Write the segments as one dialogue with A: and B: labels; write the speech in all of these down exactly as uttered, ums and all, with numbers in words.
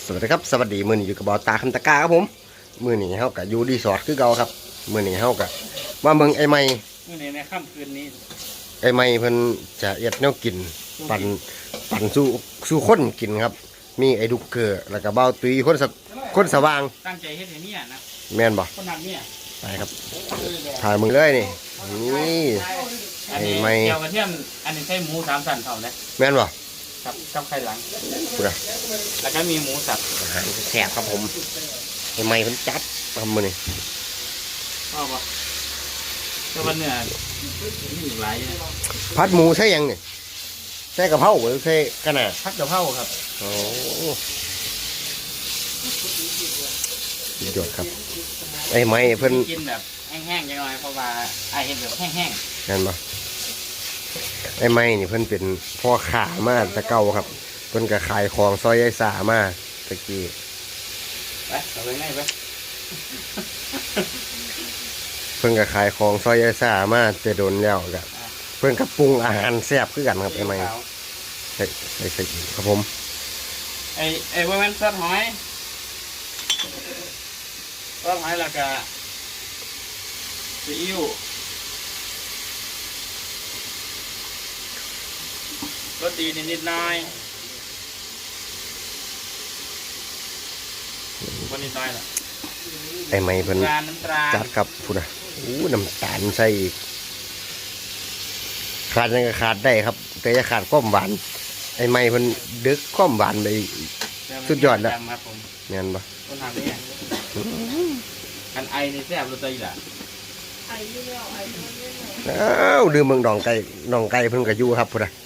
A: สวัสดีครับสวัสดีมือนี้อยู่กับบอตาคำตะกาครับผมมือนี้เฮากับยูดีสอดคือเก่าครับมือนี้เฮากับมาเบิ่งไอ้ไม้
B: มือนี้ในค่ำคืนนี้
A: ไอ้ไม้เพิ่นจะเอ็ดแนวกินปั่นปั่นสู้สู้คนกินครับมีไอ้ดุกเกอร์แล้วก็เบ้าตุยคนสคนสว่าง
B: ตั้งใจเฮ็ดให้เนี่ยนะ
A: แม่นบ่
B: คนนักเนี่ย
A: ไปครับถ่ายมึงเลยนี่นี่
B: ไอ้ไม้เกี่ยวกระเทียมอันนี้ใช้หมูสามสันเท่าเลย
A: แม่นบ่
B: กับกับไข่หลัง
A: พูดอะ
B: แล้วก็มีหมูสับ
A: อาหารแซ่บครับผมไอ้ไม้เพิ่นจัดทำมื้อนี้
B: ชอบปะแต่วันเนี่ยมีหลาย
A: ผัดหมูใช่ยังนี่ใช่กะเพราหรือใช่กะหน่า
B: ผัดกะเพราครับ
A: โอ้ยอดครับไอ้ไม้เพิ่น
B: กินแบบแห้งๆจังหน่อยเพราะว่าไอ้เห็นแบบแห้ง
A: ๆนั่นบ่ไอ้ไม้นี่เพิ่นเป็นพ่อค้ามาแต่เก่าครับเพิ่นก็ขายของซอยไอ้สามาตะกี้
B: ไปเอาไปไหนไป
A: เพิ่นก็ขายของซอยไอ้สามาแต่โดนแล้วก็เพิ่นก็ปรุงอาหารแซ่บคือกันครับไอ้ไม้ใส่ใส่ใส่ครับผม
B: ไอ้ไอ้พวกนั้นซอสหอยซอสหอยแล้วก็ซีอิ๊วรสดีนิดๆหน่อยวันนี้น้อยละ
A: ไอ้ไม้เพิ่นจัดครับพูดนะโอ้น้ำตาลใส่อีกขาดยังก็ขาดได้ครับแต่จะขาดความหวานไอ้ไม้เพิ่นดึกความหวานไปสุดยอดแล้วเงี้ยปะ
B: ต้นทางนี้กันไอในแซ่บรู้ใจละ
C: ไออยู่แล้วไอมันไม่ไหน
A: อ้าวดื่มเมืองดองไก่ดองไก่เพิ่นก็อยู่ครับพูดนะ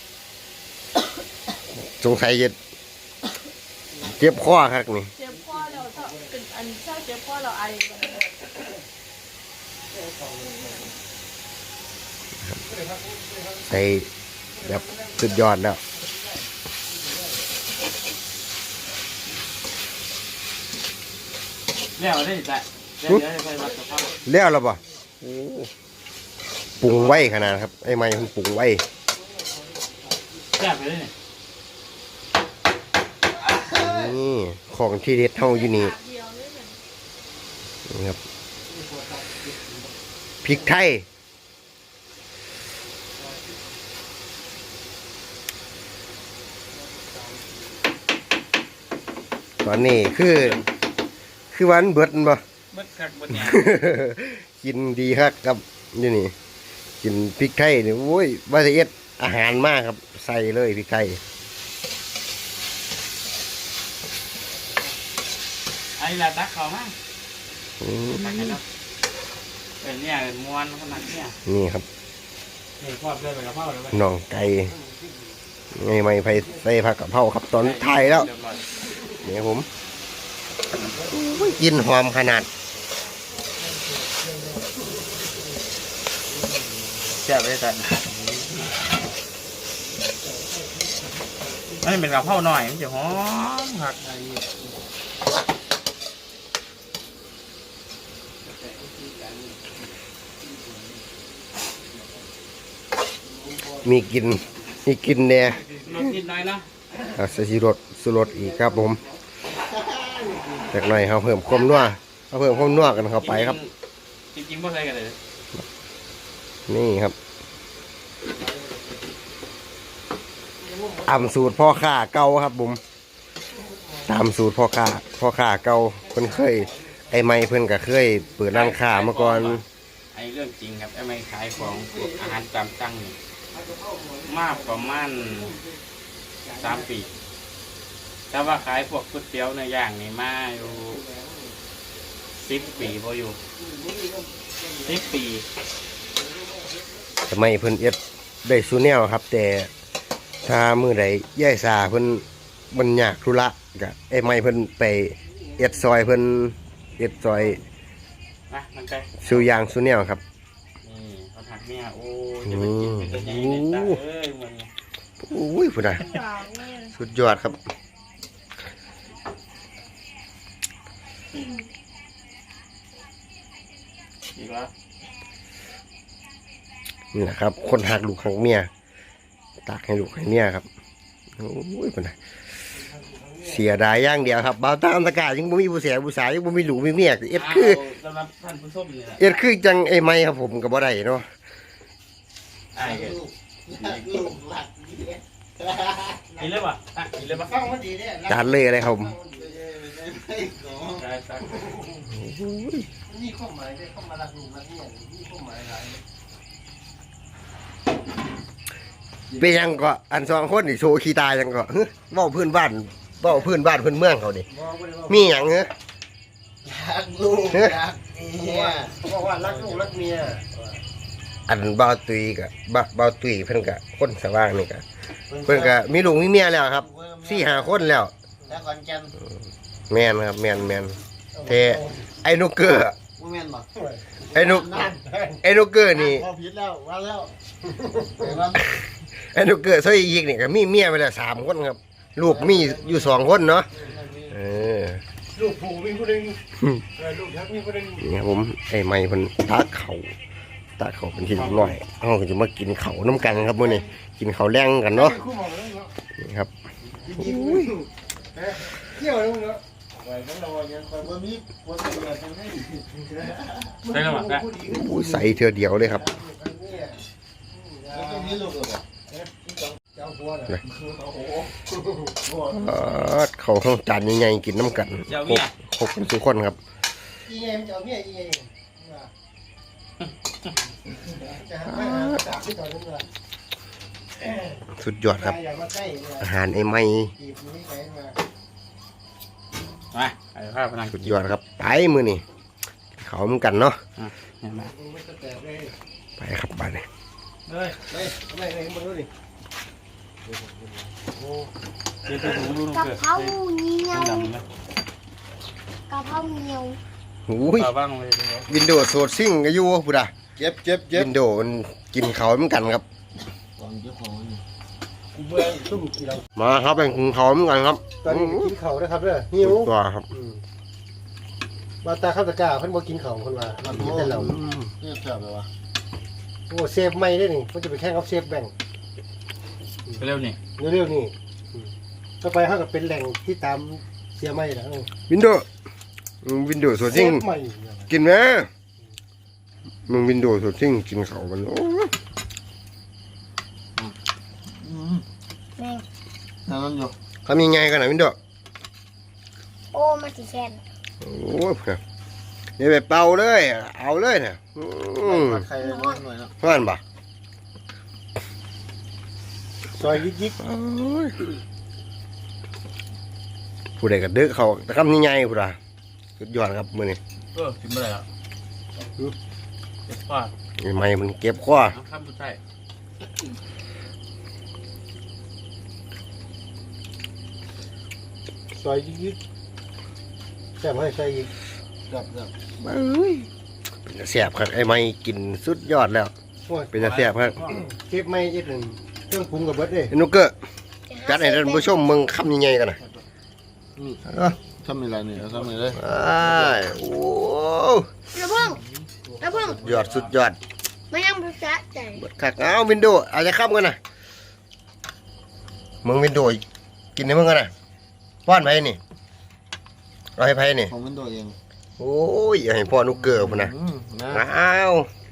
A: สงสัยจะเจ็บคอครับนี่
C: เจ็บคอเราถ้าเป็นอันถ้าเจ็บคอเราไอ
A: ใส่แบบสุดยอดแล้ว
B: แล้วได้จ้ะ
A: แล้วแล้วป่ะปรุงไว้ขนาดครับไอ้ไม้มันปรุงไว้
B: แซ่บเลยเนี่ย
A: นี่ของที่เด็ดเท่าอยู่นี่นี่ครับพริกไทยตอนนี้คือคือวันเบิดบ่
B: เบิดคักเบิดเนี่ย
A: กินดีครับครับนี่นี่กินพริกไทยนี่โอ้ยว่าจะเอ็ดอาหารมากครับใส่เลยพริกไทย
B: ไอ้ละตักเขามากตักให้เราเป็นเนี่ยม้วนขนาดเนี่ย
A: นี่ครับ
B: นี่ครอบด้วยใบกะเพราเลย
A: น่องไก่ไงไม่ไฟใส่ผักกะเพราครับตอนไทยแล้วเนี่ยผมกินหอมขนาด
B: แซ่บเลยจ้ะอันนี้เป็นกะเพราหน่อยมันจะหอมผัก
A: มีกินมีกินเนี่ย
B: รสนิดหน่อยเนาะ
A: ใส่ชีรสสุรสอีกครับผมจากหน่อยเขาเพิ่มความนัวเขาเพิ่มความนัวกันเข้าไปครับ
B: จริงๆไม่ใช่กันเลย
A: นี่ครับตามสูตรพ่อข้าเก่าครับผมตามสูตรพ่อข้าพ่อข้าเก่าเพิ่นเคยไอ้ไม้เพิ่นก็เคยเปิดร้านค้ามาก่อน
B: ไอ้เรื่องจริงครับไอ้ไม้ขายของพวกอาหารตามสั่งนี่มากประมาณสามปีแต่ว่าขายพวกก๋วยเตี๋ยวเนื้อย่างนี่มาอยู่สิบปีพออยู่สิบปี
A: ทำไมเพิ่นเอ็ดได้ซูแนวครับแต่ถ้ามือใดย่ายสาเพิ่นมันยากธุระกะไอ้ไม้เพิ่นไปเอ็ดซอยเพิ่นเอ็ดซอยซูยางซูแนวครับ
B: นี่เขาถักเนี่ยโอ้ยจะไปกินเป็นยังไงตาเอ้ยมึง
A: โอ้ยพุ่นน่ะสุดยอดครับ
B: อีกแล้ว
A: นี่แหละครับคนหักลูกหักเมียตากให้ลูกให้เมียครับโอ้ยพุ่นน่ะเสียดายอย่างเดียวครับบ่าวตามตะกายังบ่มีผู้เสียผู้สาวยังบ่มีหลูมีเมียเอ็ดคือ
B: สำหรับท่านผู้ชมนี่แหละ
A: เอ็ดคือจังไอ้ไม้ครับผมก็บ่ได้เนาะ
B: ไอ้เกิด
D: ลูกหลักเนี่ย
B: กินเลยป่ะอ่ะกินเลยป่ะ
D: ฟังมันดีเนี่ย
A: จานเลยอะไรครับผม
B: ได้ครับ
D: นี่ข้อหมายเนี่ยเข้ามาหลักลูกหลักเนี่ยนี่ข้อหมายหลาย
A: เป็นยังก็อันสองคนนี่โชว์ขี้ตายยังก็เฮ้ยเว้าพื้นบ้านเว้าพื้นบ้านพื้นเมืองเขาดิมีหยังเหรอ
D: รักลูกรักเมียเขาบอกว่ารักลูกรักเมีย
A: อันบ่าวตุยกับบ่าวบ่าวตุยเพิ่นก็คนสว่างนี่ก็เพิ่นก็มีลูกมีเมียแล้วครับสี่ห้าคนแล้ว
D: แล้วก่อนจัน
A: แม่นครับแม่นแม่นแต่ไอ้นุกเกอร์
D: บ่แม่นบ่
A: ไอ้นุกไอ้นุกเกอร์นี่
D: พอผิดแล้วว่าแล้ว
A: ไอ้นุกเกอร์ซอยอีกนี่ก็มีเมียไปแล้วสามคนครับ ลูกมีอยู่สองคนเนาะเออ
D: ลูกผู้มีผู้หนึงเออลูกทักมีผู้หนึง
A: นี่ครับผมไอ้ไม้เพิ่นตักเขาตักเขาเป็นทีละหน่อยเฮาก็จะมากินเขาน้ำกันครับมื้อนี้กินเขาวแรงกันเนาะ
D: คู่หมอแล้วเนาะ
A: นี่ครับ
D: ยิงๆเอ๊ะเที่ยวแล้วเนาะไว้กันเรายังคอยบ่มีบ่มีเงินจังได๋
B: ได้แล้วป่ะได้
A: โอ้ยใส่เทื่อเดียวเลยครับ
D: แล้วก็มีลูกเหรอเจ้าหัวน่ะโอ้โห
A: เออเขาข้างจานใหญ่ๆกินน้ำกันครบครบกันทุกคนครับ
D: อีเอ็มเจ้าเมียอีเอ็มจะหาไม่หาจากที่ตอนนั้นว่า
A: สุดยอดครับ
D: อยากมาใกล้เนี่ย
A: อาหารไอ้ไม้
D: จีบนี้ไปมา
B: มาไอ้ภาพพนัง
A: สุดยอดครับไปมือนี่เขาเหมือนกันเนาะ
B: เห็นไหม
D: มันจะแตกเลย
A: ไปครับไปเลย
B: เฮ้ย
D: ไปทำไมเองมาดูดิ
B: เดี๋ยวไปดูดู
E: กะ
B: เกิด
E: เพราเหนียว
B: ดำนะ
E: กะเพราเหนียว
A: หูย
B: ปลาบ้างเลย
A: วินโดว์โซดซิ่งอายุพุดา
D: เจ็บเจ็บเจ็บ
A: วินโดว์มันกินเขาเหมือนกันครับ
D: ตอนเจ้าของนี่กูเบื่อซุ่มกินเรา
A: มาครับเป็นกินเขาเหมือนกันครับ
D: ตอนนี้กินเข่านะครับเด้อหิว
A: สุดตัวครับ
D: มาตาข้าวตะกาเพิ่นบ่กินเข่าคนว่าเรากินแต่เรา
F: เนี่ยแซ่บเลยวะ
D: โอ้เซฟไม่ได้นี่มันจะไปแข่งกับเซฟแบ่ง
B: เร็วนี่
D: เร็วๆนี่ต่อไปเฮาก็เป็นแหล่งที่ตามเสียไม่แล้ว
A: วินโดว์อืมวินโดว์โซด
D: เซ
A: ซิ่ง
D: ฟใหม่
A: กินไหมมึงวินโดว์โซดซิ่งกินเขามันโอ้ย
E: แม่ง
F: นั่นนั่นอยู่
A: ทำยังไงกันนะวินโดว์
E: โอ้มาสิแคน
A: โอ้ยเดี๋ยวไปเป่าเลยเอาเลยเนี่ยอืม
F: ผัดไข่น้อยหน่อยนะ
A: เพื่อนปะ
D: ซอยยิก
A: โอ้ยผู้ใดก็เดือเขาแต่คำนี้ไงผู้ใดสุดยอดครับมือนี้
B: เออกินไม่ได้แล้วเจ็บคอ
A: ไอ้ไม้มันเก็บข้อ
B: น้ำข้ามสุดท้าย
D: ๆซอยยิกๆแซ่บให้ใส่อีก
F: แซ่บแซ่บ
A: เอ้ยเป็นตาแสบครับไอ้ไม้กินสุดยอดแล้ว
D: โอ้ย
A: เป็นตาแสบครับ
D: เซฟไม่เอ็ดหนึ่งเครื่องปรุงกับเบิดเด้
A: ไอ้นุกเกอร์จัดให้ท่านผู้ชมมึงคำยังไงกันนะ
F: ทำอะไรเนี่ยทำอะไรเลย
A: อ้ายโอ้
E: ระเพิ่งระเพิ่ง
A: ยอดสุดยอด
E: ไม่ยังภาษาใจ
A: เบิดคักเอาวินโดว์อาจจะข้ามกันนะมึงวินโดว์กินให้มึงกันนะป้อนไปนี่เอาให้ไผนี่
F: ของมันตัวเอง
A: โอ้ยอย่าให้พ่อนุกเกอร์พุ่นนะ
F: อืมนะ
A: อ้าว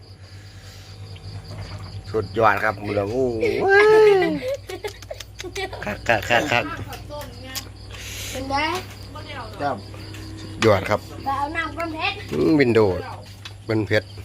A: สุดยอดครับมือละโอ้ยคักคักคักคัก
E: เป็นไง
F: แซ่บ
A: สุดยอดครับ
E: ไปเอาน้ำก้นเพชร
A: อืมวินโดว์เป็นเพชร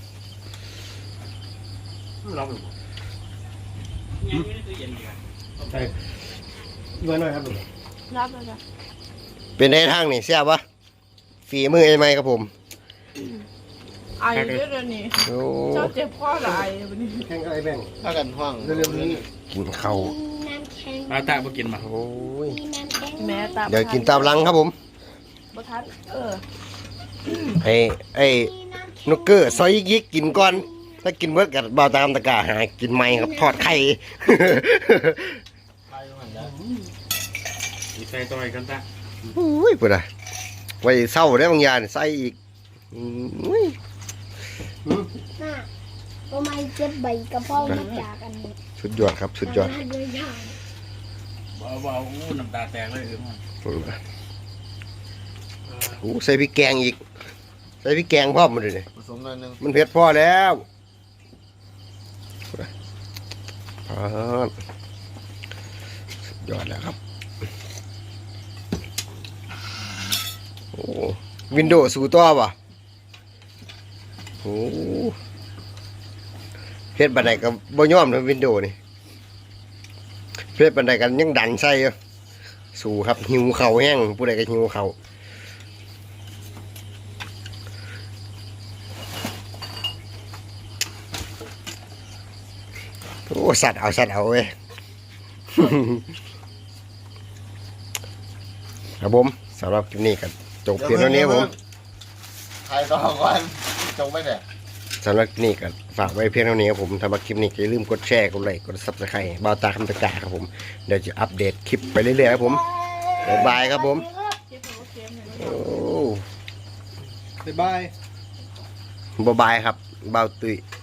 B: ลองดูยังไม่ได้ตู้เย็นดีกว่า
D: ใช่ด้วยหน่อยครับลูก
C: รับเลยจ้ะ
A: เป็นในทางนี่เสียบวะฝีมือไอ้ไม้ครับผม
C: ไอเยอะเลยนี่
A: โอ้
C: เจ้าเจ็บคอหรือไอวันนี้
D: แข่งกับไอ้แบ่ง
F: ถ้ากันห้อง
D: เร็วๆนี้
A: กินข้าว
E: มีน้ำแข็ง
B: ปลาตาบ่กินมา
A: โอ้ย
E: มีน้ำแข็ง
C: แม่ตา
A: เดี๋ยวกินตามหลังครับผม
C: บทัดเออ
A: ให้ไอ้
E: มีน้ำแข็ง
A: นุกเกอร์ซอยยิกๆกินก่อนถ้ากินเบิดกับบาวตามตะกร้าหากินไม้ครับทอดไข่
F: ไข่มันได้
B: อีใส่ตัวไอ้กันตา
A: อุ้ยเปิดอะไว้เศร้าได้บางอย่างนี่ใส่อีกอุ้ย
E: น่ะทำไมเจ็บใบกระเพรามาจากอันนี้
A: สุดยอดครับสุดยอด
E: มาเลยค่ะ
B: เบาๆอู้น้ำตาแตกเลยเออมัน
A: โอ้ใส่พริกแกงอีกใส่พริกแกงพร้อมมาเลย
F: ผสมหน่อยหนึง
A: มันเผ็ดพอแล้วอ่าสุดยอดแล้วครับโอ้วินโดว์สู่ต่อป่ะโอ้เผ็ดบันไดกับบ่ยอมนะวินโดว์นี่เผ็ดบันไดกันยังดันใส่อยู่สู่ครับหิวเข่าแห้งผู้ใดก็หิวเข่าโอ้สัตว์เอาสัตว์เอาเว้ย ครับผมสำหรับคลิปนี้กันจบเพียงเท่านี้ครับผม
F: ถ่ายต่อก่อนจงไปเนี่ย
A: สำหรับคลิปนี้กันฝากไว้เพียงเท่านี้ครับผมสำหรับคลิปนี้อย่าลืมกดแชร์กดไลค์กดซับสไครต์บ่าวตาคำตะกาครับผมเดี๋ยวจะอัปเดตคลิปไปเรื่อยๆครับผมบ๊ายบายครับผม
C: เก็บหัวเค็มเนี่ย
A: โอ้
D: บ๊ายบาย
A: บ๊ายบายครับบ่าวตุ้ย